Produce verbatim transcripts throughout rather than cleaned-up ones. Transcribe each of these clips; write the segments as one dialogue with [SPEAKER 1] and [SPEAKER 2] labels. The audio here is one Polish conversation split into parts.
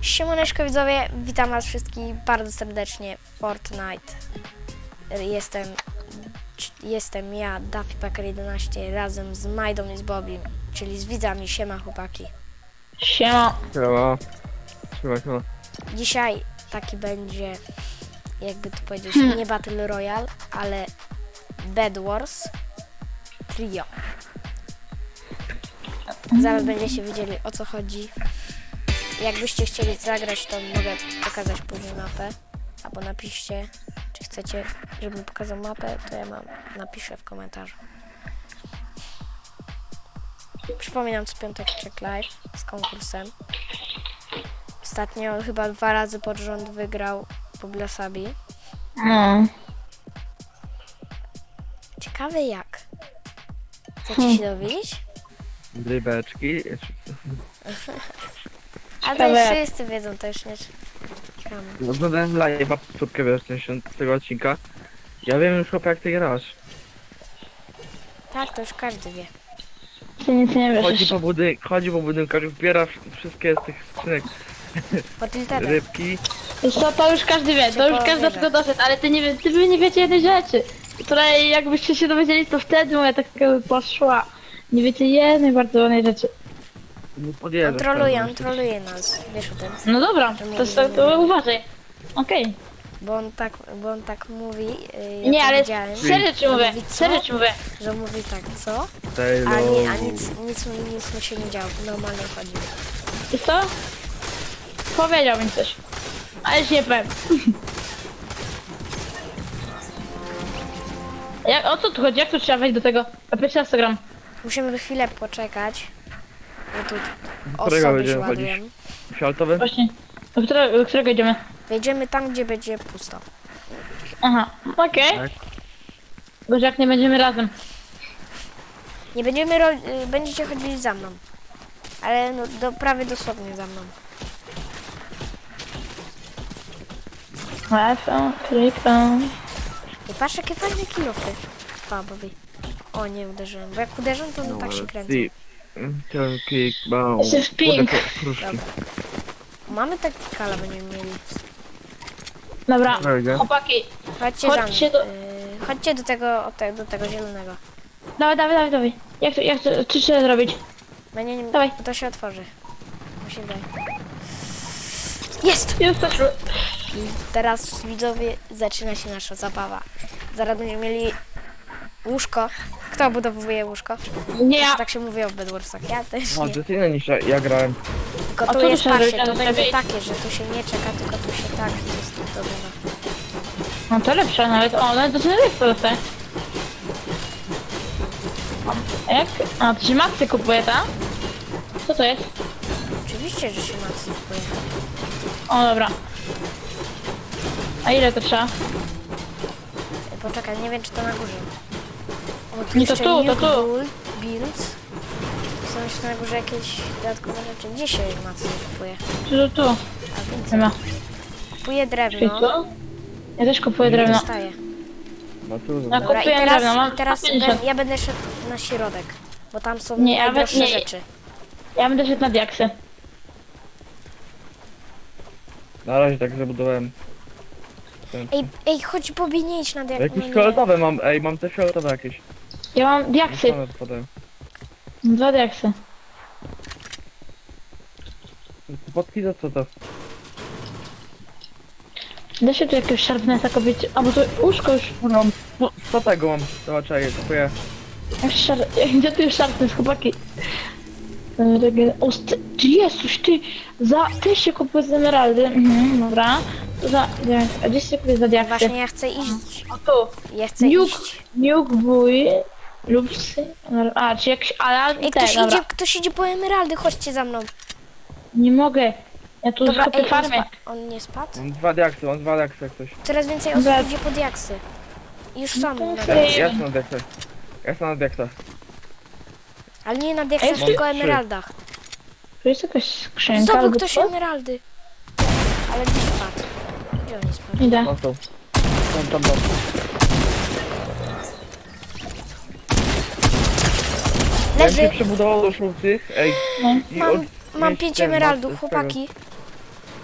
[SPEAKER 1] Siemaneczko widzowie, witam was wszystkich bardzo serdecznie w Fortnite. Jestem, jestem ja, Daffypacker jedenaście, razem z Majdą i z Bobim, czyli z widzami. Siema chłopaki.
[SPEAKER 2] Siema.
[SPEAKER 3] Siema. Siema, siema.
[SPEAKER 1] Dzisiaj taki będzie, jakby to powiedzieć,
[SPEAKER 2] Hmm.
[SPEAKER 1] nie Battle Royale, ale Bed Wars Trio. Zaraz będziecie wiedzieli, o co chodzi. Jakbyście chcieli zagrać, to mogę pokazać później mapę. Albo napiszcie, czy chcecie, żebym pokazał mapę, to ja mam, napiszę w komentarzu. Przypominam, co piątek check live z konkursem. Ostatnio chyba dwa razy pod rząd wygrał Poblasabi.
[SPEAKER 2] No.
[SPEAKER 1] Ciekawe jak. Chcecie się dowiedzieć?
[SPEAKER 3] Rybeczki.
[SPEAKER 1] A to
[SPEAKER 2] Ciekawe
[SPEAKER 1] już
[SPEAKER 2] jak.
[SPEAKER 1] wszyscy wiedzą, to już nie czekamy.
[SPEAKER 3] Oglądałem live'a, powtórkę wiesz, z tego odcinka. Ja wiem już chłopie, jak ty grasz.
[SPEAKER 1] Tak, to już każdy wie.
[SPEAKER 2] Ty nic nie wiesz
[SPEAKER 3] Chodzi
[SPEAKER 2] jeszcze.
[SPEAKER 3] po budynku, chodzi po budynku, zbiera wszystkie z tych skrzynek
[SPEAKER 1] Po tiltedach.
[SPEAKER 3] rybki.
[SPEAKER 2] Wiesz co, to już każdy wie, to już każdy do tego doszedł, ale ty nie wie, ty wy nie wiecie jednej rzeczy, której jakbyście się dowiedzieli, to wtedy moja taktyka by poszła. Nie wiecie jednej bardzo ważnej rzeczy.
[SPEAKER 3] Nie
[SPEAKER 1] On
[SPEAKER 3] podjeżdżasz.
[SPEAKER 1] troluje,
[SPEAKER 3] tam,
[SPEAKER 1] on troluje nas, wiesz o tym.
[SPEAKER 2] No dobra, to, to, to uważaj. Okej.
[SPEAKER 1] Bo on tak, bo on tak mówi, yy, ja
[SPEAKER 2] Nie,
[SPEAKER 1] to
[SPEAKER 2] ale
[SPEAKER 1] widziałem,
[SPEAKER 2] serio ci
[SPEAKER 1] On
[SPEAKER 2] mówię,
[SPEAKER 1] mówi co?
[SPEAKER 2] serio ci mówię.
[SPEAKER 1] Że mówi tak, co?
[SPEAKER 3] Taylor.
[SPEAKER 1] A, nie, a nic, nic, mu- nic mu się nie działo, normalnie chodzi.
[SPEAKER 2] Wiesz co? Powiedział mi coś. Ale się nie powiem. Jak, o co tu chodzi? Jak tu trzeba wejść do tego? A pierwszy raz to gram.
[SPEAKER 1] Musimy chwilę poczekać, bo tu
[SPEAKER 3] którego
[SPEAKER 1] osoby się
[SPEAKER 3] będziemy chodzić?
[SPEAKER 1] ładują.
[SPEAKER 3] Fioletowy?
[SPEAKER 2] Właśnie. Do którego, do którego idziemy?
[SPEAKER 1] Wejdziemy tam, gdzie będzie pusto.
[SPEAKER 2] Aha, okej.
[SPEAKER 3] Tak.
[SPEAKER 2] Boże, jak nie będziemy razem.
[SPEAKER 1] Nie będziemy, ro- y, będziecie chodzili za mną. Ale no, do, prawie dosłownie za mną.
[SPEAKER 2] Łatwo, krypą.
[SPEAKER 1] I patrz, jakie fajne kilofy. Pa, Bobby. O, nie uderzyłem, bo jak uderzę, to no, tak się kręcą.
[SPEAKER 3] Ten kick, bał.
[SPEAKER 2] Jesteś pink.
[SPEAKER 3] Kruszki.
[SPEAKER 1] Dobra. Mamy taki kala, będziemy mieli.
[SPEAKER 2] Dobra,
[SPEAKER 3] Wejdę.
[SPEAKER 2] chłopaki.
[SPEAKER 1] Chodźcie
[SPEAKER 2] Chodźcie
[SPEAKER 1] za
[SPEAKER 2] do-
[SPEAKER 1] mną. Y, chodźcie do tego, o te, do tego zielonego.
[SPEAKER 2] Dawaj, dawaj, dawaj, dawaj. Jak to, jak to, czy trzeba zrobić?
[SPEAKER 1] Będzie nie,
[SPEAKER 2] Dawaj.
[SPEAKER 1] to się otworzy. Mi się wydaje. Jest!
[SPEAKER 2] Jesteśmy.
[SPEAKER 1] I teraz widzowie zaczyna się nasza zabawa. Zaraz będziemy mieli łóżko. Kto obudowuje łóżko?
[SPEAKER 2] Nie ja.
[SPEAKER 1] Tak się mówi o Bed Warsach. Ja też
[SPEAKER 3] No,
[SPEAKER 1] nie.
[SPEAKER 3] to jest inne niż ja, ja grałem.
[SPEAKER 1] Tylko
[SPEAKER 2] A
[SPEAKER 1] tu
[SPEAKER 2] tu
[SPEAKER 1] jest,
[SPEAKER 2] muszę
[SPEAKER 1] patrzcie,
[SPEAKER 2] zrobić,
[SPEAKER 1] to
[SPEAKER 2] ale
[SPEAKER 1] będzie
[SPEAKER 2] lepiej.
[SPEAKER 1] takie, że tu się nie czeka, tylko tu się tak jest dobywa.
[SPEAKER 2] No to lepsze nawet. O, nawet to jest to dostaję. A jak? A, to się Maxy kupuje, tak? Co to jest?
[SPEAKER 1] Oczywiście, że się Max kupuje.
[SPEAKER 2] O, dobra. A ile to trzeba?
[SPEAKER 1] Poczekaj, nie wiem, czy to na górze. O, tu
[SPEAKER 2] Nie, to
[SPEAKER 1] jeszcze
[SPEAKER 2] tu, to
[SPEAKER 1] Nuke
[SPEAKER 2] tu.
[SPEAKER 1] Bull, Builds. Są jeszcze na górze jakieś dodatkowe rzeczy. Gdzie się Max kupuje?
[SPEAKER 2] Tu, tu, tu.
[SPEAKER 1] A
[SPEAKER 2] Nie
[SPEAKER 1] widzę.
[SPEAKER 2] ma.
[SPEAKER 1] Kupuje
[SPEAKER 2] Czyli
[SPEAKER 1] drewno.
[SPEAKER 2] co? Ja też kupuję drewno.
[SPEAKER 1] Dostaję.
[SPEAKER 3] No tu,
[SPEAKER 2] Na
[SPEAKER 1] Dobra, i
[SPEAKER 2] Kupiłem
[SPEAKER 1] teraz,
[SPEAKER 2] drewno, mam
[SPEAKER 1] i teraz
[SPEAKER 2] sto pięćdziesiąt.
[SPEAKER 1] ben, ja będę szedł na środek, bo tam są
[SPEAKER 2] Nie, ja
[SPEAKER 1] najdroższe
[SPEAKER 2] we- nie.
[SPEAKER 1] rzeczy.
[SPEAKER 2] Ja będę szedł na diaksy.
[SPEAKER 3] na razie tak zabudowałem.
[SPEAKER 1] Ej, ej, chodź Bobby, nie idź na diak...
[SPEAKER 3] Jakieś
[SPEAKER 1] no nie.
[SPEAKER 3] fioletowe mam, ej, mam te fioletowe jakieś.
[SPEAKER 2] Ja mam diaksy.
[SPEAKER 3] One spadają.
[SPEAKER 2] Dwa diaksy.
[SPEAKER 3] Podki za co to?
[SPEAKER 2] Da się tu jakiegoś sharpnessa kobieć. A bo to łóżko już.
[SPEAKER 3] Mam, co tego mam? Zobacz, ej, kupuję.
[SPEAKER 2] Jak szar... Gdzie tu jest sharpness, chłopaki? E, rege- O, st- ty Jezus, ty! Za... Ty się kupuje z emeraldy. Mhm, dobra. To za... diaks- A gdzie się kupuje za diaksy?
[SPEAKER 1] Właśnie ja chcę iść.
[SPEAKER 2] O tu.
[SPEAKER 1] Ja chcę
[SPEAKER 2] Nuke,
[SPEAKER 1] iść.
[SPEAKER 2] nuke, wuj, lubsy. A, czy jakiś alarm
[SPEAKER 1] Ej,
[SPEAKER 2] i te,
[SPEAKER 1] ktoś
[SPEAKER 2] dobra.
[SPEAKER 1] idzie, ktoś idzie po emeraldy, chodźcie za mną.
[SPEAKER 2] Nie mogę. Ja tu
[SPEAKER 1] Dobra,
[SPEAKER 2] skopię
[SPEAKER 1] ej, on,
[SPEAKER 2] farmę.
[SPEAKER 1] spa- on nie spadł?
[SPEAKER 3] Mam dwa diaksy, mam dwa diaksy jak coś.
[SPEAKER 1] Coraz więcej
[SPEAKER 2] Dobra.
[SPEAKER 1] osób idzie po diaksy. I już są
[SPEAKER 2] No
[SPEAKER 1] na
[SPEAKER 2] to
[SPEAKER 3] Ja
[SPEAKER 1] diaksy.
[SPEAKER 3] jestem na diaksach. Ja jestem na diaksach.
[SPEAKER 1] Ale nie na diaksach,
[SPEAKER 2] Ej,
[SPEAKER 1] tylko
[SPEAKER 3] trzy.
[SPEAKER 1] emeraldach.
[SPEAKER 2] Tu jest jakaś skrzynka
[SPEAKER 1] Zdobył
[SPEAKER 2] albo
[SPEAKER 1] ktoś
[SPEAKER 2] co?
[SPEAKER 1] emeraldy. Ale gdzie spadł? Gdzie on nie spadł?
[SPEAKER 2] Idę.
[SPEAKER 3] No to. Tam, tam, tam. Jak się
[SPEAKER 1] Leży.
[SPEAKER 3] przebudowało do żółtych, ej.
[SPEAKER 2] No.
[SPEAKER 3] i
[SPEAKER 1] Mam,
[SPEAKER 3] od-
[SPEAKER 1] mam
[SPEAKER 3] mieć
[SPEAKER 1] pięć
[SPEAKER 3] ten,
[SPEAKER 1] emeraldów,
[SPEAKER 3] z tego.
[SPEAKER 1] chłopaki.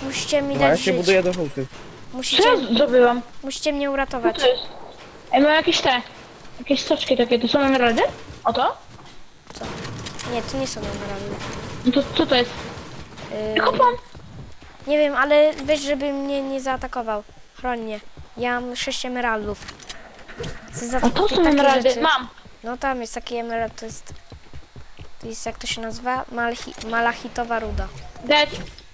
[SPEAKER 1] Musicie mi
[SPEAKER 3] Dobra, ja
[SPEAKER 1] dać
[SPEAKER 3] się
[SPEAKER 1] żyć.
[SPEAKER 3] buduję do żółtych.
[SPEAKER 2] Co
[SPEAKER 1] Musicie,
[SPEAKER 2] ja zrobiłam?
[SPEAKER 1] musicie mnie
[SPEAKER 2] Co
[SPEAKER 1] uratować.
[SPEAKER 2] to jest? Ej, mam jakieś te... Jakieś soczki takie, to są emeraldy? O to?
[SPEAKER 1] Co? Nie, to nie są emeraldy.
[SPEAKER 2] No to co to jest?
[SPEAKER 1] Yy,
[SPEAKER 2] Kopam!
[SPEAKER 1] nie wiem, ale weź, żeby mnie nie zaatakował. Chroń mnie. Ja mam sześć emeraldów. Chcę za
[SPEAKER 2] A to są
[SPEAKER 1] takie
[SPEAKER 2] emeraldy,
[SPEAKER 1] rzeczy-
[SPEAKER 2] mam!
[SPEAKER 1] No tam jest taki emerald, to jest... To jest, jak to się nazywa? Malchi, malachitowa ruda.
[SPEAKER 2] Dead.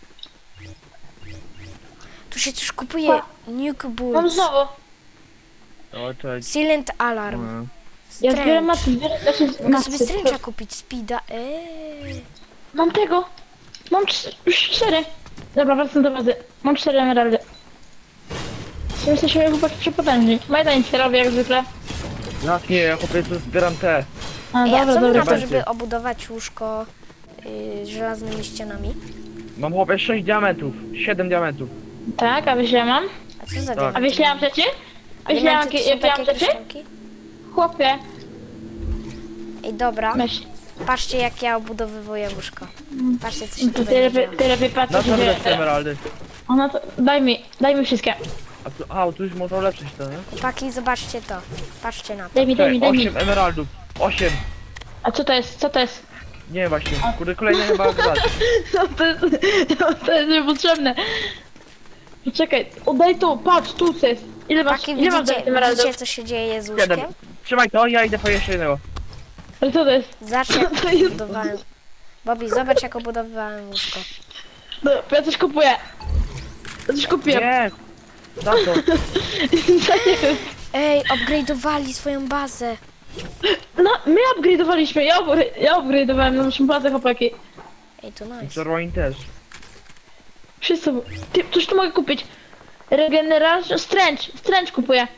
[SPEAKER 1] Tu się coś kupuje. Nuke
[SPEAKER 2] Mam
[SPEAKER 1] Bulls.
[SPEAKER 2] znowu.
[SPEAKER 3] O, cześć.
[SPEAKER 1] Silent Alarm.
[SPEAKER 3] No.
[SPEAKER 2] Ja zbieram
[SPEAKER 1] Strange.
[SPEAKER 2] macy, zbieram znaczy
[SPEAKER 1] Mogę sobie
[SPEAKER 2] macy.
[SPEAKER 1] Strange'a kupić, Speeda. Eee.
[SPEAKER 2] Mam tego! Mam cz- już cztery. Dobra, wracam do bazy. Mam cztery emeraldy. Jesteśmy chłopaki przepotężni. Majda nic nie robi jak zwykle.
[SPEAKER 3] Jak nie, ja chłopie tu zbieram te.
[SPEAKER 2] A,
[SPEAKER 1] Ej, a
[SPEAKER 2] dobra,
[SPEAKER 1] co wy
[SPEAKER 2] dobra.
[SPEAKER 1] na to,
[SPEAKER 3] będzie.
[SPEAKER 1] żeby obudować łóżko yy, żelaznymi ścianami?
[SPEAKER 3] Mam chłopie sześć diamentów, siedem diamentów.
[SPEAKER 2] Tak, a wiesz ile mam?
[SPEAKER 1] A co za
[SPEAKER 3] Tak.
[SPEAKER 2] A
[SPEAKER 1] diamenty?
[SPEAKER 2] wiesz ile mam rzeczy?
[SPEAKER 1] A
[SPEAKER 2] Wiesz ile mam,
[SPEAKER 1] diamenty to
[SPEAKER 2] jakie
[SPEAKER 1] są
[SPEAKER 2] jakie mam
[SPEAKER 1] takie
[SPEAKER 2] rzeczy?
[SPEAKER 1] kryształki?
[SPEAKER 2] Chłopie,
[SPEAKER 1] Ej, dobra.
[SPEAKER 2] myśl.
[SPEAKER 1] Patrzcie, jak ja obudowywuję łóżko. Patrzcie, co się
[SPEAKER 2] To
[SPEAKER 1] tu
[SPEAKER 2] ty
[SPEAKER 1] będzie
[SPEAKER 2] lepiej,
[SPEAKER 1] działo.
[SPEAKER 2] ty lepiej patrz,
[SPEAKER 3] Na
[SPEAKER 2] co się
[SPEAKER 3] co
[SPEAKER 2] dzieje.
[SPEAKER 3] wydać te emeraldy?
[SPEAKER 2] Ona to, daj mi, daj mi wszystkie.
[SPEAKER 3] A tu, a, tu już można ulepszyć to, nie?
[SPEAKER 1] Chłopaki, zobaczcie to. Patrzcie na to.
[SPEAKER 2] Daj mi, daj mi,
[SPEAKER 3] Czekaj,
[SPEAKER 2] daj mi.
[SPEAKER 3] osiem emeraldów. osiem.
[SPEAKER 2] A co to jest, co to jest?
[SPEAKER 3] Nie wiem właśnie, kurde kolejne chyba dać.
[SPEAKER 2] No to jest, no to jest niepotrzebne. Poczekaj, oddaj to, patrz, tu co jest. Ile masz,
[SPEAKER 1] Chłopaki,
[SPEAKER 2] ile masz
[SPEAKER 1] widzicie,
[SPEAKER 2] emeraldów?
[SPEAKER 1] widzicie, co się dzieje z
[SPEAKER 3] Siedem.
[SPEAKER 1] łóżkiem?
[SPEAKER 3] Trzymaj to, ja idę po jeszcze jednego.
[SPEAKER 2] Ale co to jest?
[SPEAKER 1] Zobacz, jak
[SPEAKER 2] To jest-
[SPEAKER 1] budowałem. Bobby, zobacz, jak obudowywałem łóżko.
[SPEAKER 2] No, ja coś kupuję. Ja coś kupiłem.
[SPEAKER 3] Nie! Za to.
[SPEAKER 2] Co jest?
[SPEAKER 1] Ej, upgrade'owali swoją bazę.
[SPEAKER 2] No, my upgrade'owaliśmy, ja, upgra- ja upgrade'owałem naszą bazę, chłopaki.
[SPEAKER 1] Ej, to nice.
[SPEAKER 3] Zerwain też.
[SPEAKER 2] Wszyscy, ty, coś tu mogę kupić. Regeneration, Strange, Strange kupuję.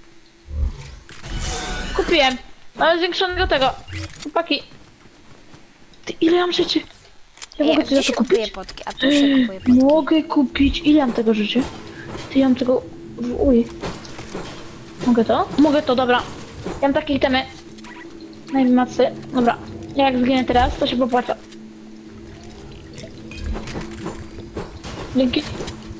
[SPEAKER 2] Kupiłem. Mamy zwiększonego tego. Chłopaki. Ty, ile mam rzeczy? Ja
[SPEAKER 1] Ej, a
[SPEAKER 2] mogę
[SPEAKER 1] gdzie
[SPEAKER 2] coś
[SPEAKER 1] się
[SPEAKER 2] za to
[SPEAKER 1] kupuje
[SPEAKER 2] kupić?
[SPEAKER 1] potki? A tu się kupuje potki.
[SPEAKER 2] Mogę kupić, ile mam tego rzeczy? Ty, ja mam tego, w- uj. Mogę to? Mogę to, dobra. Ja mam takie itemy. Najmacy, dobra. Ja jak zginę teraz, to się popłaca. Dzięki.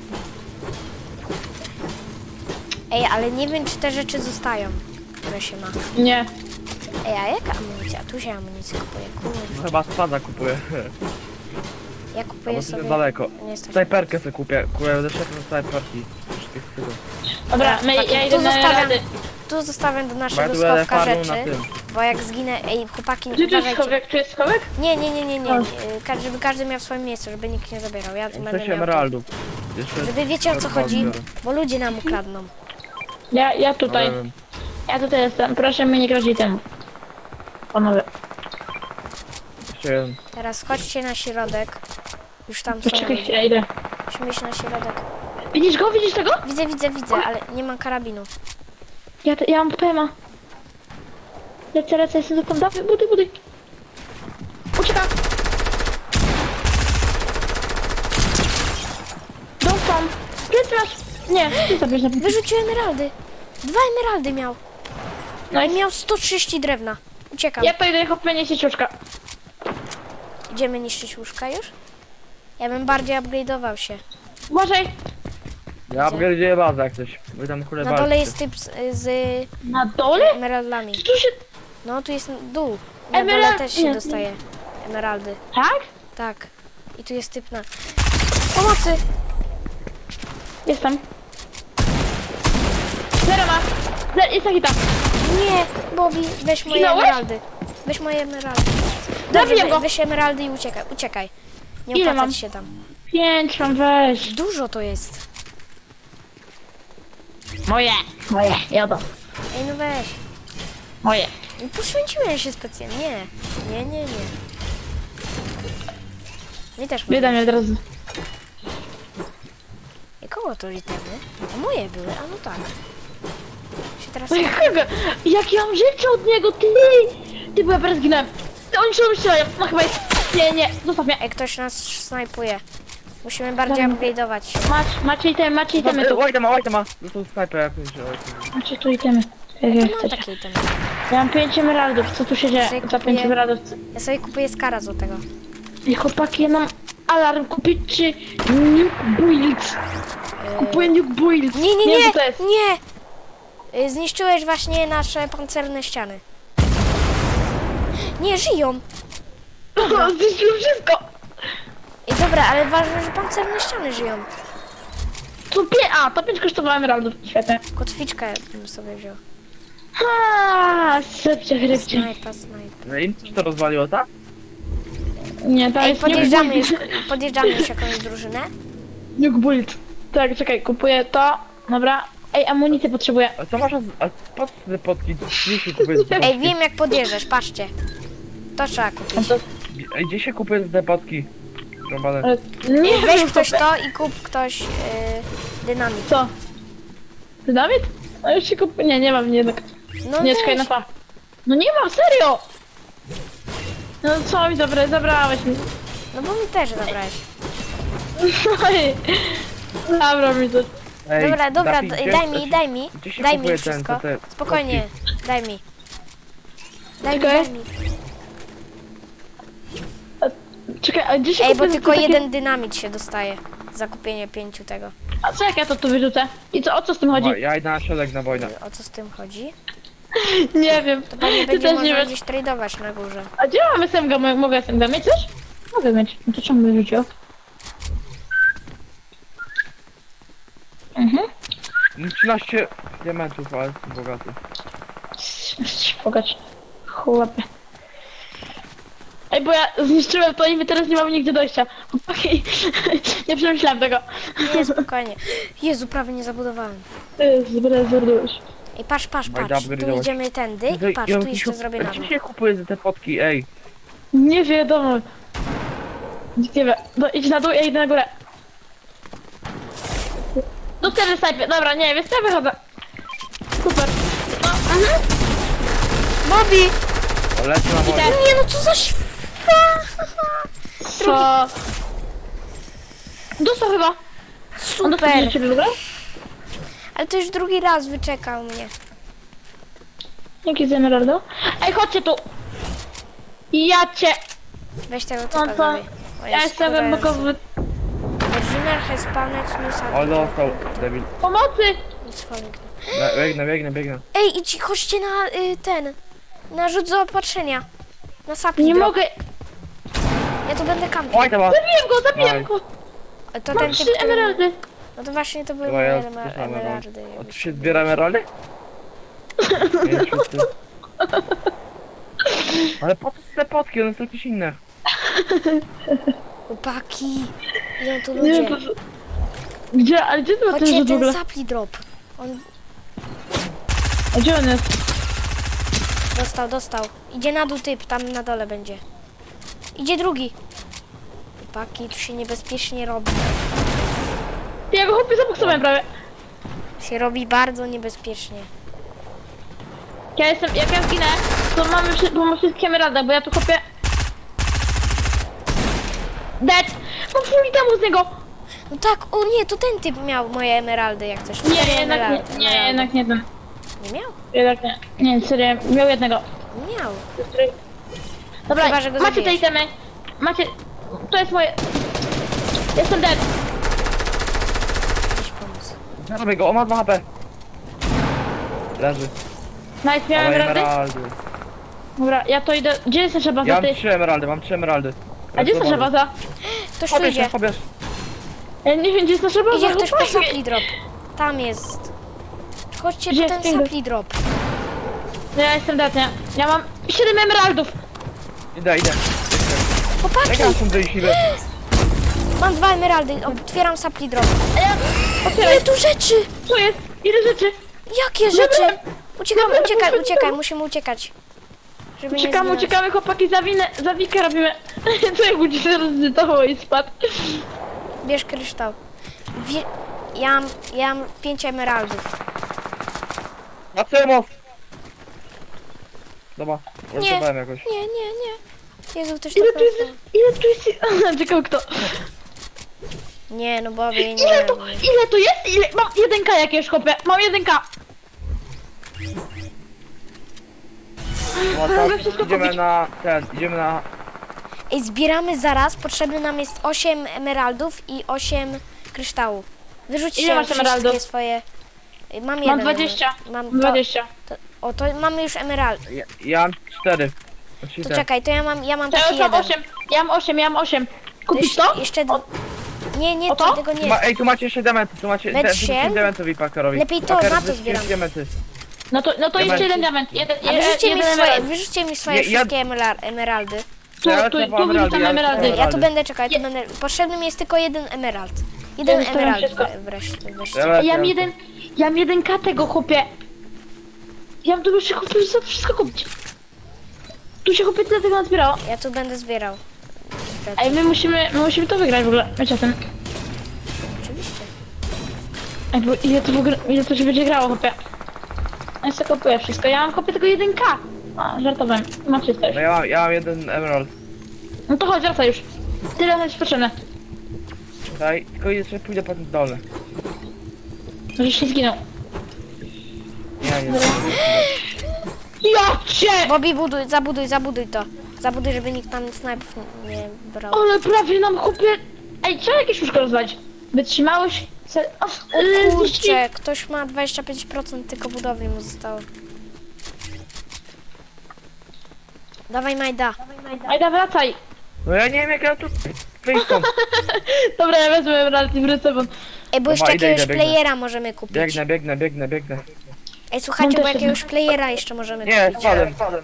[SPEAKER 1] Ej, ale nie wiem, czy te rzeczy zostają, które się ma.
[SPEAKER 2] Nie.
[SPEAKER 1] Ej, a jaka amunicja? Tu się amunicję kupuje,
[SPEAKER 3] No
[SPEAKER 1] kurwa.
[SPEAKER 3] chyba spada kupuję.
[SPEAKER 1] Ja
[SPEAKER 3] Albo
[SPEAKER 1] kupuję
[SPEAKER 3] to
[SPEAKER 1] sobie...
[SPEAKER 3] jest daleko.
[SPEAKER 1] Nie jest to...
[SPEAKER 3] Snajperkę sobie kupię. Kupuję ze szefem snajperki. Wszystkich z tego.
[SPEAKER 2] Dobra, my,
[SPEAKER 1] Chłopaki,
[SPEAKER 2] ja idę
[SPEAKER 1] tu
[SPEAKER 2] na
[SPEAKER 1] zostawiam,
[SPEAKER 2] rady.
[SPEAKER 1] tu zostawiam do
[SPEAKER 3] Bo ja
[SPEAKER 1] naszego
[SPEAKER 3] tu będę
[SPEAKER 1] schowka
[SPEAKER 3] farmą
[SPEAKER 1] rzeczy,
[SPEAKER 3] na tym.
[SPEAKER 1] bo jak zginę... Ej, chłopaki,
[SPEAKER 2] Gdzie tu jest
[SPEAKER 1] uważajcie.
[SPEAKER 2] schowek? Tu jest schowek?
[SPEAKER 1] Nie, nie, nie, nie, nie.
[SPEAKER 2] O.
[SPEAKER 1] Y, ka- Żeby każdy miał swoje miejsce, żeby nikt nie zabierał. Ja będę
[SPEAKER 3] sześć
[SPEAKER 1] miał tu.
[SPEAKER 3] emeraldów. Jeszcze...
[SPEAKER 1] Żeby wiecie, o co
[SPEAKER 3] Dobra,
[SPEAKER 1] chodzi,
[SPEAKER 3] biorę.
[SPEAKER 1] bo ludzie nam ukradną.
[SPEAKER 2] Ja, ja tutaj.
[SPEAKER 3] No, wiem.
[SPEAKER 2] Ja tutaj jestem. Proszę mnie nie grozi temu. Panowie.
[SPEAKER 3] Jeszcze jeden.
[SPEAKER 1] Teraz chodźcie na środek. Już tam są
[SPEAKER 2] Poczekaj
[SPEAKER 1] ludzie.
[SPEAKER 2] chwilę, idę.
[SPEAKER 1] Musimy iść na środek.
[SPEAKER 2] Widzisz go? Widzisz tego?
[SPEAKER 1] Widzę, widzę, widzę, ale nie mam karabinu.
[SPEAKER 2] Ja, te, ja mam pema. Lecę, lecę, jestem tam. Dawaj, buduj, buduj. Uciekam. Dostam. Plecy masz. Nie, ty zabierz na plecy.
[SPEAKER 1] Wyrzucił emeraldy. Dwa emeraldy miał.
[SPEAKER 2] No
[SPEAKER 1] I
[SPEAKER 2] i
[SPEAKER 1] miał sto trzydzieści drewna. Uciekam.
[SPEAKER 2] ja to idę chopienie sieciuszka.
[SPEAKER 1] Idziemy niszczyć łóżka już? Ja bym bardziej upgrade'ował się.
[SPEAKER 2] Uważaj.
[SPEAKER 3] Ja upgrade'uję bazę jak coś. Wy tam kurde
[SPEAKER 1] Na dole
[SPEAKER 3] walczcie.
[SPEAKER 1] jest typ z, z
[SPEAKER 2] Na dole?
[SPEAKER 1] emeraldami.
[SPEAKER 2] Tu się...
[SPEAKER 1] No, tu jest dół. Na
[SPEAKER 2] Emerald-
[SPEAKER 1] dole też się
[SPEAKER 2] nie.
[SPEAKER 1] dostaje emeraldy.
[SPEAKER 2] Tak?
[SPEAKER 1] Tak. I tu jest typ na... Pomocy!
[SPEAKER 2] Jestem. Zero ma. Zero, jest taki tam.
[SPEAKER 1] Nie! Bobby, weź moje
[SPEAKER 2] Zginąłeś?
[SPEAKER 1] emeraldy. Weź moje emeraldy. Dobrze,
[SPEAKER 2] Zabiję
[SPEAKER 1] we,
[SPEAKER 2] go.
[SPEAKER 1] weź emeraldy i uciekaj. Uciekaj. Nie
[SPEAKER 2] Ile
[SPEAKER 1] opłacać
[SPEAKER 2] mam?
[SPEAKER 1] się tam.
[SPEAKER 2] Pięć mam, weź.
[SPEAKER 1] Dużo to jest.
[SPEAKER 2] Moje. Moje, jadę.
[SPEAKER 1] Ej, no weź.
[SPEAKER 2] Moje.
[SPEAKER 1] Nie poświęciłem się specjalnie. Nie. Nie, nie, nie. Mi też
[SPEAKER 2] Bieda mnie od razu.
[SPEAKER 1] I kogo to itemy? A moje były, a no tak. Się teraz...
[SPEAKER 2] No jakiego? Jak ja mam rzeczy od niego, ty! Ty, bo ja teraz zginąłem. Ty, oni się strzelają. No chyba jest... Nie, nie, zostaw mnie.
[SPEAKER 1] Ej, ktoś nas snajpuje. Musimy bardziej
[SPEAKER 2] Dobra.
[SPEAKER 1] upgrade'ować się.
[SPEAKER 2] Masz, macie itemy, macie itemy tu.
[SPEAKER 3] Oj, ma, oj, ma. No to snajper jakąś. oj,
[SPEAKER 2] Macie tu itemy. Jak
[SPEAKER 1] Ja
[SPEAKER 2] ja
[SPEAKER 1] mam
[SPEAKER 2] chcecie.
[SPEAKER 1] takie itemy.
[SPEAKER 2] Ja mam pięć emeraldów, co tu się dzieje?
[SPEAKER 1] Sobie
[SPEAKER 2] Za pięć
[SPEAKER 1] kupuję-
[SPEAKER 2] emeraldów.
[SPEAKER 1] Ja sobie kupuję skara złotego.
[SPEAKER 2] I chłopaki, ja mam... alarm kupić, czy Nuke Builds? Kupuję Nuke Builds.
[SPEAKER 1] Nie, nie,
[SPEAKER 2] wiem,
[SPEAKER 1] nie,
[SPEAKER 2] co to jest.
[SPEAKER 1] nie! Y, Zniszczyłeś właśnie nasze pancerne ściany. Nie, żyją!
[SPEAKER 2] Zniszczyłem wszystko.
[SPEAKER 1] I dobra, ale ważne, że pancerne ściany żyją.
[SPEAKER 2] To pie... A, to pięć kosztowało emeraldów. Świetnie.
[SPEAKER 1] Kotwiczkę bym sobie wziął.
[SPEAKER 2] Ha, sypcie, chrypcie.
[SPEAKER 1] Snajpa, snajpa.
[SPEAKER 3] No i czy to rozwaliło, tak?
[SPEAKER 2] Nie, to
[SPEAKER 1] Ej,
[SPEAKER 2] jest
[SPEAKER 1] podjeżdżamy
[SPEAKER 2] Nuke
[SPEAKER 1] już,
[SPEAKER 2] Builds.
[SPEAKER 1] podjeżdżamy już jakąś drużynę.
[SPEAKER 2] Nuke Builds. Tak, czekaj, kupuję to. Dobra. Ej, amunicję potrzebuję.
[SPEAKER 3] A co masz, a po co te potki? Gdzie się kupuje te
[SPEAKER 1] Ej,
[SPEAKER 3] potki?
[SPEAKER 1] wiem jak podjeżdżasz, patrzcie. To trzeba kupić.
[SPEAKER 3] Ej, gdzie się kupuje te potki? Rąbane.
[SPEAKER 2] Ale nie
[SPEAKER 1] Weź
[SPEAKER 2] wiem,
[SPEAKER 1] ktoś
[SPEAKER 2] co-
[SPEAKER 1] to i kup ktoś yy, dynamit.
[SPEAKER 2] Co? Dynamit? No już się kupuję. Nie, nie mam jednak.
[SPEAKER 1] No
[SPEAKER 2] Nie, czekaj, na
[SPEAKER 1] weź.
[SPEAKER 2] pa. No nie mam, serio! No co mi zabra zabrałeś mi?
[SPEAKER 1] No bo mi też zabrałeś.
[SPEAKER 2] Oj, zabrał mi to.
[SPEAKER 3] Ej,
[SPEAKER 1] Dobra, dobra,
[SPEAKER 3] Dafi,
[SPEAKER 1] d-
[SPEAKER 3] gdzie-
[SPEAKER 1] daj mi, daj mi.
[SPEAKER 3] Gdzie się
[SPEAKER 1] Daj
[SPEAKER 3] kupuje
[SPEAKER 1] mi
[SPEAKER 3] ten,
[SPEAKER 1] wszystko.
[SPEAKER 3] te- te
[SPEAKER 1] Spokojnie, daj mi. Daj mi,
[SPEAKER 2] Czekaj.
[SPEAKER 1] daj mi.
[SPEAKER 2] Czekaj, a gdzie się
[SPEAKER 1] Ej, bo
[SPEAKER 2] kupuje
[SPEAKER 1] tylko
[SPEAKER 2] takie-
[SPEAKER 1] jeden dynamit się dostaje. Za kupienie pięciu tego.
[SPEAKER 2] A co jak ja to tu wyrzucę? I co, o co z tym chodzi?
[SPEAKER 3] O, ja idę na środek na wojnę.
[SPEAKER 1] O co z tym chodzi?
[SPEAKER 2] Nie wiem.
[SPEAKER 1] To pewnie
[SPEAKER 2] Ty
[SPEAKER 1] będzie
[SPEAKER 2] też nie
[SPEAKER 1] można
[SPEAKER 2] wiesz.
[SPEAKER 1] gdzieś tradować na górze.
[SPEAKER 2] A gdzie mam S M G? Mo- Mogę S M G mieć coś? Mogę mieć. No to czemu wyrzucił? Mhm.
[SPEAKER 3] trzynaście diamentów, ale jestem bogaty.
[SPEAKER 2] Pogacz. Chłopie. Ej, bo ja zniszczyłem to i my teraz nie mamy nigdzie dojścia. Chłopaki, nie przemyślałem tego.
[SPEAKER 1] Nie, spokojnie. Jezu, prawie nie zabudowałem.
[SPEAKER 2] Zbrezerdujesz.
[SPEAKER 1] Ej, patrz, patrz,
[SPEAKER 3] Majda,
[SPEAKER 1] patrz. Tu
[SPEAKER 3] upgrade'ować.
[SPEAKER 1] idziemy tędy.
[SPEAKER 3] Ej,
[SPEAKER 1] Patrz,
[SPEAKER 3] ja
[SPEAKER 1] tu
[SPEAKER 3] bym
[SPEAKER 1] jeszcze
[SPEAKER 3] się-
[SPEAKER 1] zrobię
[SPEAKER 3] a
[SPEAKER 1] na
[SPEAKER 3] Gdzie
[SPEAKER 1] dół.
[SPEAKER 3] się kupuje za te potki, ej?
[SPEAKER 2] Nie wiadomo. Nie wiem. No idź na dół, ja idę na górę. Do wtedy snajpie. Dobra, nie, więc ja wychodzę. Super. No, mhm.
[SPEAKER 1] Bobby!
[SPEAKER 3] O, lecę na wojnę.
[SPEAKER 1] Nie no, co za śwa!
[SPEAKER 2] Co? Dostał chyba. On dostał
[SPEAKER 1] Super!
[SPEAKER 2] do ciebie w ogóle?
[SPEAKER 1] Ale to już drugi raz wyczekał mnie.
[SPEAKER 2] Dzięki za emeraldo. Ej, chodźcie tu. Ja cię.
[SPEAKER 1] Weź tego
[SPEAKER 2] No
[SPEAKER 1] typa
[SPEAKER 2] to
[SPEAKER 1] zrobię. O,
[SPEAKER 2] ja
[SPEAKER 1] jest
[SPEAKER 2] jestem
[SPEAKER 1] kurwa,
[SPEAKER 2] głębokowy.
[SPEAKER 1] Original has spawned new
[SPEAKER 3] O,
[SPEAKER 1] subject.
[SPEAKER 3] dostał, debil.
[SPEAKER 2] Pomocy!
[SPEAKER 1] It's falling.
[SPEAKER 3] Be- Biegnę, biegnę, biegnę.
[SPEAKER 1] Ej, idź, chodźcie na y, ten. Na rzut zaopatrzenia. Na sapli
[SPEAKER 2] Nie
[SPEAKER 1] drop.
[SPEAKER 2] mogę.
[SPEAKER 1] Ja tu będę kampił.
[SPEAKER 3] Oj, to ma.
[SPEAKER 2] Zabiłem go, zabiłem
[SPEAKER 3] Daj.
[SPEAKER 2] go.
[SPEAKER 1] A to
[SPEAKER 2] Mam
[SPEAKER 1] ten typ,
[SPEAKER 2] trzy
[SPEAKER 1] który...
[SPEAKER 2] emeraldy.
[SPEAKER 1] No to właśnie to były
[SPEAKER 3] Chyba
[SPEAKER 1] moje
[SPEAKER 3] ja
[SPEAKER 1] emer-
[SPEAKER 3] też mam
[SPEAKER 1] emeraldy.
[SPEAKER 3] A tu się zbiera emeraldy? Nie, wszyscy. Ale po co te potki? One są jakieś inne.
[SPEAKER 1] Chłopaki, idą tu
[SPEAKER 2] Nie,
[SPEAKER 1] ludzie.
[SPEAKER 2] po co- Gdzie, ale gdzie to ten
[SPEAKER 1] Chodźcie,
[SPEAKER 2] rzut w
[SPEAKER 1] ten
[SPEAKER 2] ogóle?
[SPEAKER 1] sapli drop. On
[SPEAKER 2] A gdzie on jest?
[SPEAKER 1] dostał, dostał. Idzie na dół typ, tam na dole będzie. Idzie drugi. Chłopaki, tu się niebezpiecznie robi.
[SPEAKER 2] Ty, ja go chłopie zaboksowałem prawie.
[SPEAKER 1] Się robi bardzo niebezpiecznie.
[SPEAKER 2] Ja jestem, jak ja zginę, to mamy, wszy- bo mamy wszystkie emeraldy, bo ja tu chłopie... Dead! Mam full temu z niego!
[SPEAKER 1] No tak, o nie, to ten typ miał moje emeraldy, jak coś. Cztery
[SPEAKER 2] Nie, jednak
[SPEAKER 1] emeraldy.
[SPEAKER 2] nie, nie, jednak nie ten.
[SPEAKER 1] Nie miał?
[SPEAKER 2] Jednak nie. Nie, serio, miał jednego.
[SPEAKER 1] Miał.
[SPEAKER 2] Dobra,
[SPEAKER 1] Chyba, że go
[SPEAKER 2] macie te
[SPEAKER 1] zabijesz.
[SPEAKER 2] itemy. Macie... To jest moje... Jestem dead.
[SPEAKER 1] Jakiś pomysł.
[SPEAKER 3] Zarobię go, on ma dwa H P. Leży.
[SPEAKER 2] Nice, miałem
[SPEAKER 3] Ale
[SPEAKER 2] emeraldy?
[SPEAKER 3] emeraldy.
[SPEAKER 2] Dobra, ja to idę... Gdzie jest nasza baza,
[SPEAKER 3] Ja
[SPEAKER 2] ty?
[SPEAKER 3] mam trzy emeraldy, mam trzy emeraldy.
[SPEAKER 2] A gdzie jest nasza baza?
[SPEAKER 1] Ktoś tu
[SPEAKER 3] Pobierz,
[SPEAKER 1] idzie.
[SPEAKER 3] pobierz.
[SPEAKER 2] Ja nie wiem, gdzie jest nasza baza.
[SPEAKER 1] Idzie ktoś po
[SPEAKER 2] chłopaki.
[SPEAKER 1] sapli drop. Tam jest. Chodźcie
[SPEAKER 2] Gdzie
[SPEAKER 1] po ten
[SPEAKER 2] jest finger?
[SPEAKER 1] sapli drop.
[SPEAKER 2] No ja jestem dead, nie? Ja mam siedem emeraldów.
[SPEAKER 3] Idę, idę.
[SPEAKER 1] Chłopaki,
[SPEAKER 3] Jak ja są tej siły?
[SPEAKER 1] mam dwa emeraldy. Otwieram sapli drop.
[SPEAKER 2] A ja... Otwieraj,
[SPEAKER 1] Ile tu rzeczy?
[SPEAKER 2] co jest? Ile rzeczy?
[SPEAKER 1] Jakie rzeczy?
[SPEAKER 2] Zabrałem.
[SPEAKER 1] Uciekamy,
[SPEAKER 2] Zabrałem,
[SPEAKER 1] uciekaj,
[SPEAKER 2] zabrałem.
[SPEAKER 1] uciekaj, musimy uciekać. Żeby nie
[SPEAKER 2] Uciekamy,
[SPEAKER 1] zginąć.
[SPEAKER 2] uciekamy, chłopaki, za winę, za wikę robimy. Co jak będzie się rozdytował i spadł?
[SPEAKER 1] Bierz kryształ. Wie... Ja mam, ja mam pięć emeraldów.
[SPEAKER 3] Na cemos! Dobra,
[SPEAKER 1] Nie.
[SPEAKER 3] uratowałem jakoś.
[SPEAKER 1] Nie, nie, nie. Jezu, ktoś to
[SPEAKER 2] Ile tu jest...
[SPEAKER 1] powiedział.
[SPEAKER 2] Ile tu jest... Czekał kto?
[SPEAKER 1] Nie, no Bobby, nie.
[SPEAKER 2] Ile to...
[SPEAKER 1] nie.
[SPEAKER 2] Ile to jest? Ile... Mam jeden K jakiegoś, chłopie. Mam jeden K.
[SPEAKER 3] No
[SPEAKER 2] Mogę
[SPEAKER 3] tak,
[SPEAKER 2] wszystko
[SPEAKER 3] idziemy
[SPEAKER 2] kupić.
[SPEAKER 3] na ten, idziemy na...
[SPEAKER 1] Ej, zbieramy zaraz, potrzebny nam jest osiem emeraldów i osiem kryształów. Wyrzućcie
[SPEAKER 2] Ile masz
[SPEAKER 1] wszystkie
[SPEAKER 2] emeraldów?
[SPEAKER 1] swoje... Ej, Mam jeden.
[SPEAKER 2] Mam dwadzieścia.
[SPEAKER 1] Mam to,
[SPEAKER 2] dwadzieścia.
[SPEAKER 1] to, o, to mamy już emerald.
[SPEAKER 3] Ja, ja mam cztery. Znaczy
[SPEAKER 1] To
[SPEAKER 3] ten.
[SPEAKER 1] czekaj, to ja mam, ja mam
[SPEAKER 2] To ja
[SPEAKER 1] taki
[SPEAKER 2] już mam
[SPEAKER 1] jeden.
[SPEAKER 2] osiem. Ja mam osiem, ja mam osiem. Kupisz
[SPEAKER 1] jeszcze,
[SPEAKER 2] to?
[SPEAKER 1] Jeszcze... d-
[SPEAKER 2] O-
[SPEAKER 1] Nie, nie,
[SPEAKER 2] o
[SPEAKER 1] to?
[SPEAKER 2] to?
[SPEAKER 1] tego
[SPEAKER 3] Tu
[SPEAKER 1] nie.
[SPEAKER 3] Ma, ej, tu macie jeszcze diamenty, tu macie
[SPEAKER 1] Weź
[SPEAKER 3] de-
[SPEAKER 1] się.
[SPEAKER 3] wyrzućcie diamentowi Pakarowi.
[SPEAKER 1] Lepiej to,
[SPEAKER 3] Paker,
[SPEAKER 1] na to
[SPEAKER 3] wyrzućcie
[SPEAKER 1] zbieram.
[SPEAKER 3] diamenty.
[SPEAKER 2] No to, no to jeszcze
[SPEAKER 3] Diamenty.
[SPEAKER 2] jeden diament. Jeden,
[SPEAKER 1] A
[SPEAKER 2] je-
[SPEAKER 1] wyrzućcie mi
[SPEAKER 2] jeden
[SPEAKER 1] swoje,
[SPEAKER 2] emerald.
[SPEAKER 1] wyrzućcie mi swoje
[SPEAKER 3] Nie, ja-
[SPEAKER 1] wszystkie emelar- emeraldy.
[SPEAKER 2] Tu,
[SPEAKER 3] Ja
[SPEAKER 2] tu,
[SPEAKER 3] lecę
[SPEAKER 2] tu
[SPEAKER 3] po emeraldy,
[SPEAKER 2] wyrzucam
[SPEAKER 3] ja lecę po
[SPEAKER 2] emeraldy.
[SPEAKER 1] Ja tu
[SPEAKER 3] Emeraldy.
[SPEAKER 1] będę czekać, tu
[SPEAKER 2] Je-
[SPEAKER 1] będę... Potrzebny mi jest tylko jeden emerald. Jeden
[SPEAKER 2] zostawiam
[SPEAKER 1] emerald
[SPEAKER 2] wszystko.
[SPEAKER 1] we- wreszcie. wreszcie.
[SPEAKER 3] Ja lecę,
[SPEAKER 2] Ja mam
[SPEAKER 3] lecę.
[SPEAKER 2] jeden, ja mam jeden K tego chłopie. Ja mam tu już się chłopie za wszystko kupić. Tu się chłopie tyle tego nazbierało.
[SPEAKER 1] Ja tu będę zbierał.
[SPEAKER 2] Ej, my musimy, my musimy to wygrać w ogóle. Wiecie o tym.
[SPEAKER 1] Oczywiście.
[SPEAKER 2] Ej, bo ile to w ogóle, ile to się będzie grało chłopie. Ja sobie kupuję wszystko. Ja mam chłopie tylko jeden K. A, żartowałem. Mam wszystko już.
[SPEAKER 3] No ja mam, ja mam jeden emerald.
[SPEAKER 2] No to chodź, wracaj już. Tyle jest potrzebne.
[SPEAKER 3] Tutaj, tylko jeszcze pójdę po tym dole.
[SPEAKER 2] Żeś nie zginął.
[SPEAKER 3] Nie, nie.
[SPEAKER 2] Ja cię!
[SPEAKER 1] Bobby, buduj, zabuduj, zabuduj to. Zabuduj, żeby nikt tam snajpów nie nie brał.
[SPEAKER 2] Ale prawie nam chłopie... Ej, trzeba jakieś łóżko rozwalić. Wytrzymałeś... Se... O,
[SPEAKER 1] O
[SPEAKER 2] yy,
[SPEAKER 1] kurczę, ktoś ma dwadzieścia pięć procent tylko budowli mu zostało. Dawaj Majda.
[SPEAKER 2] Ajda, wracaj.
[SPEAKER 3] No ja nie wiem jak ja tu wyjść stąd.
[SPEAKER 2] Dobra, ja wezmę emerald i wrócę, bo...
[SPEAKER 1] Ej, bo
[SPEAKER 3] Dobra,
[SPEAKER 1] jeszcze
[SPEAKER 3] idę,
[SPEAKER 1] jakiegoś
[SPEAKER 3] idę, biegnę.
[SPEAKER 1] playera możemy kupić.
[SPEAKER 3] Biegnę, biegnę, biegnę, biegnę.
[SPEAKER 1] Ej, słuchajcie,
[SPEAKER 2] Mam
[SPEAKER 1] bo
[SPEAKER 2] też
[SPEAKER 1] jakiegoś playera jeszcze możemy
[SPEAKER 3] Nie,
[SPEAKER 1] kupić.
[SPEAKER 3] spadłem, spadłem.